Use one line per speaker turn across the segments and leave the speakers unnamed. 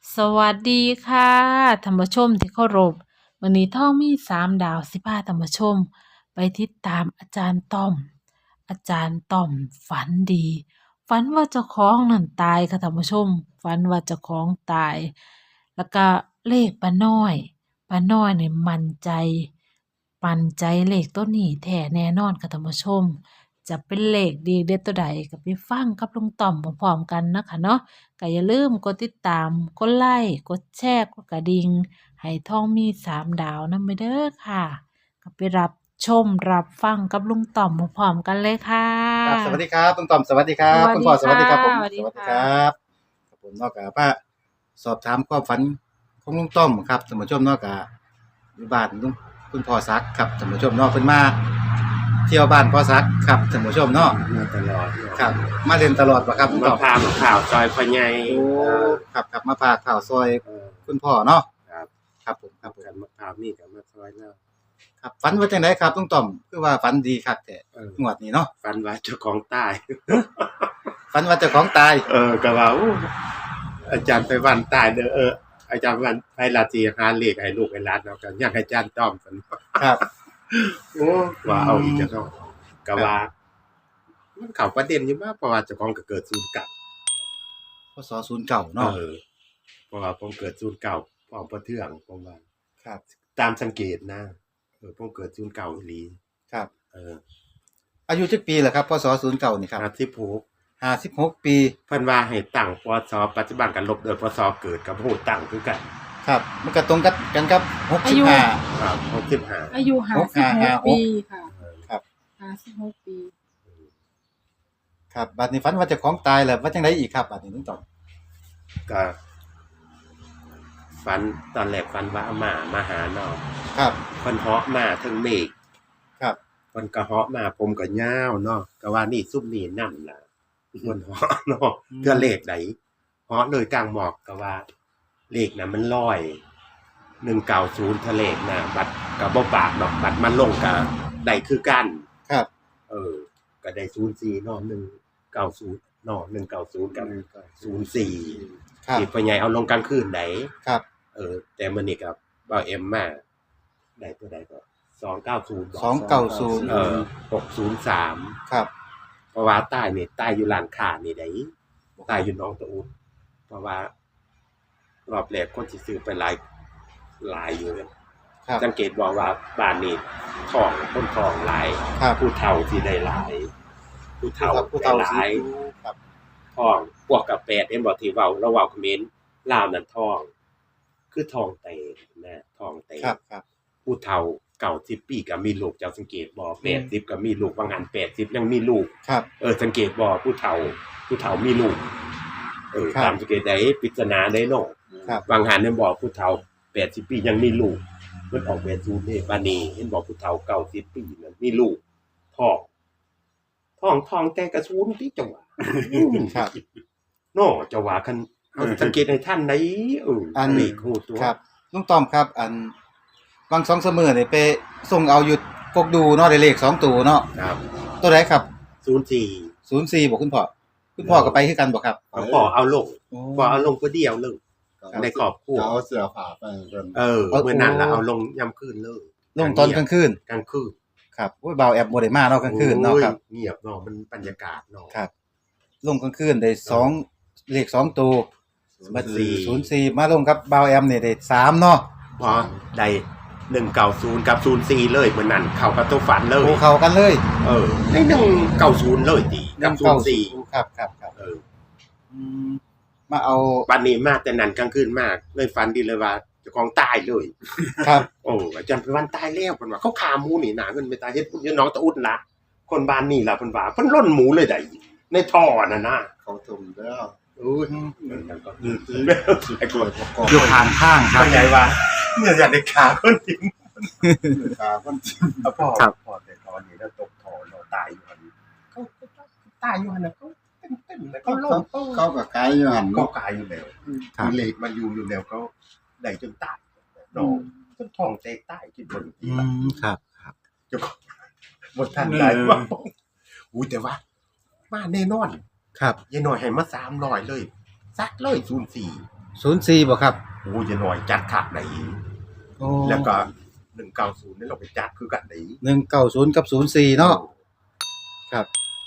สวัสดีค่ะท่านผู้ชมที่เคารพวันนี้ท่องมี3 ดาวสิพาท่านผู้ชมไปติดตามอาจารย์ต้อมอาจารย์ต้อมฝันดีฝันว่าเจ้าของนั่นตายค่ะท่านผู้ชมฝันว่าเจ้าของตายแล้วก็เลขป้าน้อยเนี่ยมั่นใจเลขตัวนี้แท้แน่นอนค่ะท่านผู้ชมจะเป็นเลขดีเด็ดตัวใดก็ไปฟังกับลุงต่อมพร้อมๆกันนะคะเนาะ ก็อย่าลืมกดติดตาม กดไลค์ กดแชร์ กดกระดิ่งให้ท่องมี3 ดาวนำไปเด้อค่ะ ก็ไปรับชมรับฟังกับลุงต่อมพร้อมๆกันเลยค่ะ
ครับสวัสดีครับคุณต้อมสวัสดีครับคุณพ่อสวัสดีครับผมสวัสดีครับครับผมนอกจากว่าสอบถามความฝันของลุงต้อมครับท่านผู้ชมนอกจากอยู่บ้านลุงคุณพ่อซักครับท่านผู้ชมเนอกเพิ่นมาเที่ยวบ้านพ่อซักครับท่านผู้ชมเนาะ
มาตลอด
ครับมาเล่นตลอดบ่ครับคุณ
มา
ต้อม
พามาข่าวซอยพ่อใหญ่
โอ้ครับมาพาข่าวซอย
เออ
คุณพ่อเนาะ
ครับ
ครับผมครับผม
กันมาข่าวนี่กับมาซอยแล้ว
ครับฝันว่าจังไดครับลุงต้อมคือว่าฝันดีครับแต่ งวดนี้เนาะ
ฟันว่าเจ้าของตาย
ฝันว่าเจ้าของตาย
ก็ว่าอู้อาจารย์ไปวันตายเด้ออาจารย์วันไปลาตีหาเลขให้ลูกให้หลานเนาะก็อยากให้อาจารย์ต้อมกัน
ครับ
โอ้ว่าเอาอีกจังเนาะก็ว่ามันเข้าประเด็นอยู่มากเพราะว่าเจ้าของก็เกิดศูนย์เก่า
พศ09เนาะ
เพราะว่าผมเกิดศูนย์เก่าพร้อมประเทืองผมว่า
ครับ
ตามสังเกตนะผมเกิดศูนย์เก่าอีหลี
ครับ
เออ
อายุจักปีล่ะครับพศ09นี่ครับ 56 ปี
เพิ่นว่าให้ตั้งปศปัจจุบันกันลบโดยปศเกิดกับโหตั้งคือกัน
ครับ มันก็ตรงกันครับ
อายุ
65
ครับ65
อายุ56 ปีค่ะ
ครับ
56 ปี
ครับบัดนี้ฝันว่าเจ้าของตายแล้วว่าจังไดอีกครับบัดนี้ลุงต่อม
ก็ฝันตอนแรกฝันว่าอาม่ามาหาเนาะ
ครับ
เพิ่นเหาะมาถึงเมฆ
ครับ
เพิ่นก็เหาะมาผมก็ยาวเนาะก็ว่านี่ซุมนี่นำล่ะเพิ่นเหาะเนาะเพื่อเลขใดเหาะเลยกลางหมอกก็ว่าเลขน่ะมันลอย190ทะเลขน่ะบัดก็บ่ปากดอกบัดมันลงก็ได้คือกัน
ครับ
ก็ได้04เนาะ190เนาะ190กับ04
ครับ
ที่พ่อใหญ่เอาลงกลางคืนได
ครับ
แต่มื้อนี้ก็บ่าวเอ็มมาได้ตัวใดก็290บ่
290
603
ครับ
เพราะว่าใต้นี่ใต้อยู่ร้านค้านี่ได้ใต้อยู่หนองตะอุดเพราะว่ารอบแรกคนสิซื้อไปหลายอยู่เลย
ครับ
สังเกตบอกว่าบ้านนี้ท้องคนท้องหลาย
ครับ
ผู้เฒ่าสิได้หลาย ผู้เฒ่า
ผู้เฒ่า
ได้ห
สิ
ลาย
ครับ
ท้องพวกกับ8เห็นบ่ที่เว้าเราเว้าเขมรลาวนั่นท้อง คือท้องเตนะท้องเต
ครับครับ
ผู้เฒ่า90ปีก็มีลูกเจ้าสังเกตบ่80ก็มีลูกบางหัน80ยังมีลูก
ครับ
สังเกตบ่ผู้เฒ่ามีลูก
ครับ
ตามสังเกตได้ปริศนาได้เนาะ
ครับ
บางหันเห็นบ่ผู้เฒ่า80ปียังมีลูกเพิ่นออก80นี่บัดนี้เห็นบ่ผู้เฒ่า90ปีนั่นมีลูกท้องแต่กระสูนติจังหวะ
ครับ
เนาะจังหวะคันเอาสังเกตให้ท่านได้
อัน
นี่ฮู้ตัว
ครับลุงต้อมครับ อันบาง2-3มื้อนี่ไปส่งเอาอยู่กกดูเนาะได้เลข2ตัวเนาะ
ครับ
ตัวใดครับ
04
04บ่คุณพ่อคุณพ่อก็ไปคือกันบ่ครับ
พ่อเอาลง
โอ้
พ่อเอาลงผู้เดียวเลย ในครอบครัว
เอาเสื้อผ้าไปเพิ่น
เมื่อนั้นล่ะเอาลงย่ำคืนเลย
ลงตอนกลางคืน
กลางคืน
ครับโอ้ยบ่าวแอบบ่ได้มาเนาะกลางคืนเนาะครับ
โอ้ยเงียบเนาะมันบรรยากาศเนาะ
ครับ ลงกลางคืนได้2เลข2ตัวบัด 04มาลงกับบ่าวแอมนี่ได้3เนาะ
พอได้190กับ04เลยเมื่อนั้นเข้ากับตัวฝันเลย
โอ้เข้ากันเลย
ได้190เลยติกับ04
ครับครับครับ อืมมาเอา
วันนี้มาแต่นั้นกลางคืนมากเลยฝันดีเลยว่าเจ้าของตายเลย
ครับ
อาจารย์ไปวันตายแล้วเพิ่นว่าเขาฆ่าหมูนี่นาเงินไปตายเฮ็ดพุ่นอยู่น้องตะอุดล่ะคนบ้านนี่ล่ะเพิ่นว่าเพิ่นล่นหมูเลยได้ในท่อน่ะนะ
เขาทุ่มแล้ว
โอ้ยมันก็ไอ้กลัว
อยู่ข้างข้างครับ
เข้าใจว่าเนี่ยอยากได้ขาคนจริง
ตาคนจิ้ม
พ่อ
ครับ
พ่อแต่ตอนนี้แล้วตกท่อเราตายอยู่หั่นเขาตายอยู่หั่นน่ะเขาเต้นๆแล้วเขาลง
เขาก็ไกลอยู่หั่น
ก็
เนาะ
กายอยู่แล้ว
ครับ
มีเหล็กมันอยู่แล้วเขาได้จนตายน้องจนท้องแตกตายคิดเบิ่งทีละ
ครับครับ
เจ้าของบ่ทันได้ว่าอุ้ยแต่ว่ามาแน่นอน
ครับ
ยายน้อยให้มา300เลยซัดเลย04
04บ่ครับ
โอ้ยจะหน่อยจัดขาดไหน
โอ้
แล้วก็190นี่เราไปจัดคือกันไหน
190กับ04เนาะครับ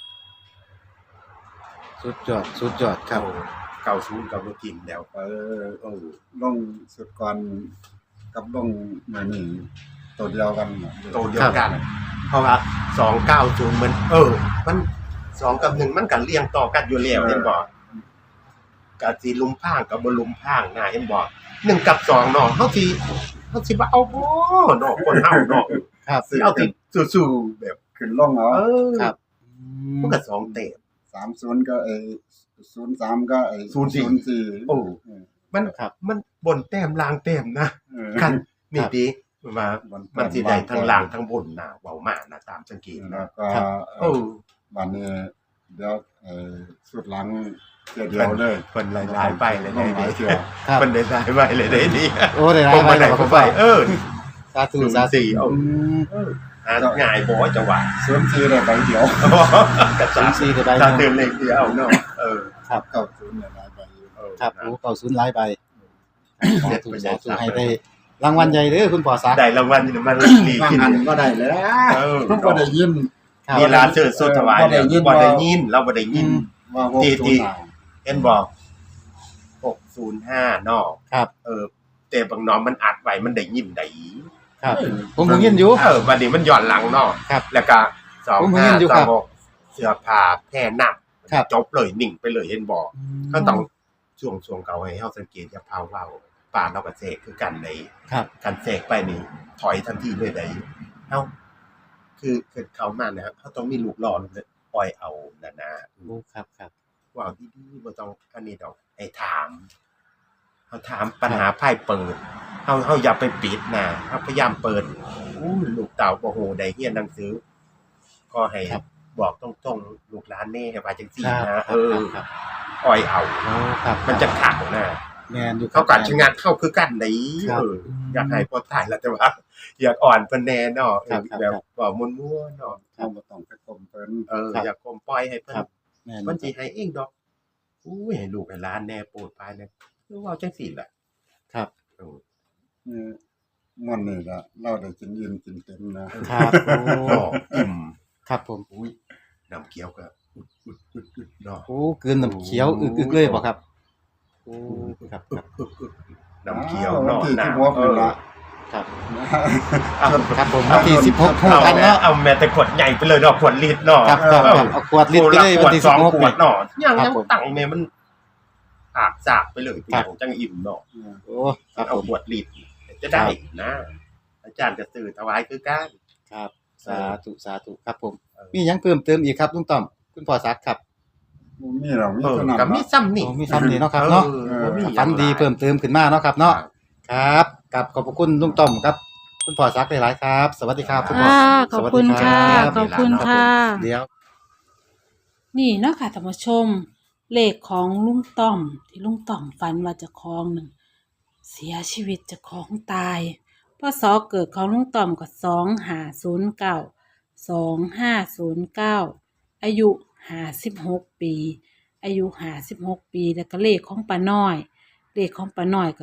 สุดยอดครับ
90กับบ่กินแล้ว
ลงสุดก่อนกับลงมื้อนี้ตัวเดียวกันน่ะ
โตเดียวกัน เพราะว่า290มันมัน2กับ1มันก็เรียงต่อกันอยู่แล้วเห็นบ่ก็สิลุมพางกับบ่ลุมพางนะเห็นบ่1กับ2เนาะเฮาสิว่าเอาบ่เนาะคนเฮาเนาะ
ครับ
สิเอาที่สู้ๆแบบ
ขึ้นลงเอา
ครับ
มันก็2เต็ม
30ก็03ก็04
โอ้ มัน
ครับ
มันบนแต้มล่างแต้มนะ
เออ
คันนี่ติว่า
บนแต้ม
มันสิได้ทั้งล่างทั้งบนน่ะเว้ามานะตามสังเกต
แล้
นะ
วก็ บัดนี้เดี๋ยวสุดหลังเทื่อเดียวเลย
เพิ่นหลายๆไปเลย
ล
ได้
งหลาย
ดี
เทื่อ
ครับ
เพิ่นได้หลายไปเลยได้ดี
โอ้ได้หลา
ผ
ย
ม
ไป
มาไหน
แล้ว
ผ
คุ
ม
ณ
ไป
พ่อ สาธุ
สาธุเอา หาง่ายบ่จังหวะ
04ได้ใบเดียว
กับสาม
04ได้ใบ
ถ้า
ห
เตื
นึ่
อง นเลขเดียวเนาะ
ครับ
90เนี่ยได้ใบอยู่
ครับโอ้90หลายใบสาธุให้ได้รางวัลใหญ่เด้อคุณพ่อซัก
ได้รางวัลนี่มันดี
ว่า
ขึ้น
หันก็ได้แล้ว ผมก็ได้ยิน
ครับ
มีร้านเชิญสุดถวายเนี่ยบ่ได้ยินเราบ่ได้ยิน
ว่า
ที่
605
เห็นบอก605เนาะ
ครับ
แต่บางน้องมันอัดไว้มันได้ยินได้
ครับ ผมเพิ่งยินอยู่
บัดนี้มันย้อนหลังเนาะ
ครับ
แล้วก็
ผมเห็นอยู่ครับ
2526เสื้อผ้าแพร่หนัก
ครับ
จบเลยนิ่งไปเลยเห็นบอกก็ต้องช่วงเก่าให้เฮาสังเกตอย่าพาเว้าป่าเราก็เสกคือกันได้
ครับ
กันเสกไปนี่ถอยทันทีเลยได้เฮาคือเข้ามานะครับเฮาต้องมีลูกหล่อเลยปล่อยเอานั่นนะ
โอ้ครับครับ
ว่าดีๆบ่ต้องอันนี้ดอกให้ถามเฮาถามปัญหาไพ่เปิดเฮาอย่าไปปิดนะเฮาพยายามเปิดลูกเต่าบ่ฮู้ได้เรียนหนังสือ ก็ให้
ครับ
บอกตรงๆลูกหลานแน่ให้ว่าจังซี่
ครับ
นะครับ
ครับ
อ้อยเอา
โอ้ครับ
มันจะขังนะ
แม่นอยู่
เขากัดชะงักเข้าคือกันได้
ครับ
อยากให้พอตายแล้วแต่ว่า อยากอ่อนเพิ่นแน่เนาะ
ครับ
แบบว่าม่วนๆเนาะ
เราบ่ต้องไปกลมเพิ่น
ครับ
อยากกลมปล่อยให้เพิ่น
ครับ แม่น
มันสิให้เองดอกอุ้ยให้ลูกให้หลานแน่โปรดปรานแน่คือเว้าจังซี่แหละ
ครับ
เออ
นี่ม่วนนี่ล่ะเราได้กินอิ่มกินเต็มนะครับ
โอ้
เนาะอิ่ม
ครับผม
อุ้ยน้ำเขียวก็อึดๆๆเนาะ
โอ้กลืนน้ำเขียวอึกๆเลยบ่ครับโอ้ครับครับ
น้ำเขียวเนาะ
ที่
น้ำ
16นี่ล่ะ
ครับ
เอา
ครับผมวันที่16ฮู้กันเนาะ
เอาแม่แต่ขวดใหญ่ไปเลยเนาะขวดลิตรเนาะ
ครับครับครับเอาขวดลิตรไปเลยวันที่
ขวด2
16
ขวดเนาะยัง
ครับ
ยัง
ผม
ตั้งแม่มันอาบสากไปเลย
ครับ
ของจังอิ่มเนาะ
โอ้ครับ
เอา
ผม
ขวดลิตรจะได้นะ อาจารย์จะสื่อถวายคือกัน
ครับสาธุครับผม มีหยังเพิ่มเติมอีกครับลุงต้อมคุณพ่อซักครับ
บ่มีหรอกมี
เออ
เท่านั้น
กับมี
ล่ะ
ซ้ำนี่
โอ้มีซ้ำนี่เนาะครับเนาะ
บ่มีหยัง
ฝันดีเพิ่มเติมขึ้นมาเนาะครับเนาะครับกับขอบพระคุณลุงต้อมครับ คุณพ่อซักหลายๆครับ สวัสดีครับคุณพ่อ
ค่ะขอบคุณค่ะ
สวัสดีรับ
ขอบคุณค่ะ
เดี๋ยว
นี่เนาะค่ะท่านผู้ชม เลขของลุงต่อมที่ลุงต่อมฝันว่าเจะคลองหนึ่งเสียชีวิตเจะคลองตายพศเกิดของลุงต่อมก็2509อายุ56 ปี อายุ56 ปีแล้วก็เลขของป้าน้อย เลขของป้าน้อยก็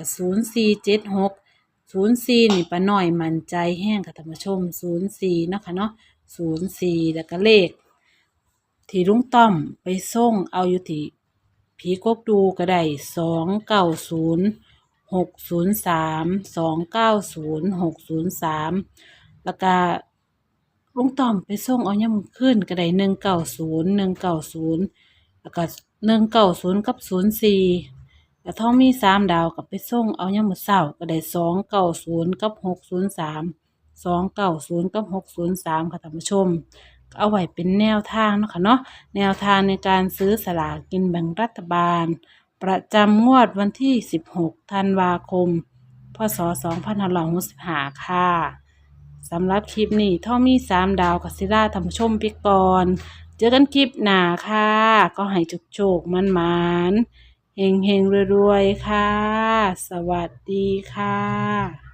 0476 นี่ป้าน้อยมั่นใจแห้งค่ะท่านผู้ชม04เนาะค่ะเนาะ04แล้วก็เลข ที่ลุงต้อมไปส่งเอาอยู่ที่ผีกกดูก็ได้290603แล้วก็ลุงต้อมไปส่งเอาย่ำขึ้นก็ได้190แล้วก็190กับ04แล้วท้องมี3 ดาวกับไปส่งเอาย่ำมื้อเช้าก็ได้290กับ603ค่ะท่านผู้ชม เอาไว้เป็นแนวทางเนาะค่ะเนาะแนวทางในการซื้อสลากกินแบ่งรัฐบาล ประจำงวดวันที่ 16 ธันวาคม พศ 2565 ค่ะสำหรับคลิปนี้ท่อมี 3 ดาวกัสิล่าท่านผู้ชมไปก่อน เจอกันคลิปหน้าค่ะ ก็ให้โชคๆมันๆเฮงๆรวยๆค่ะ สวัสดีค่ะ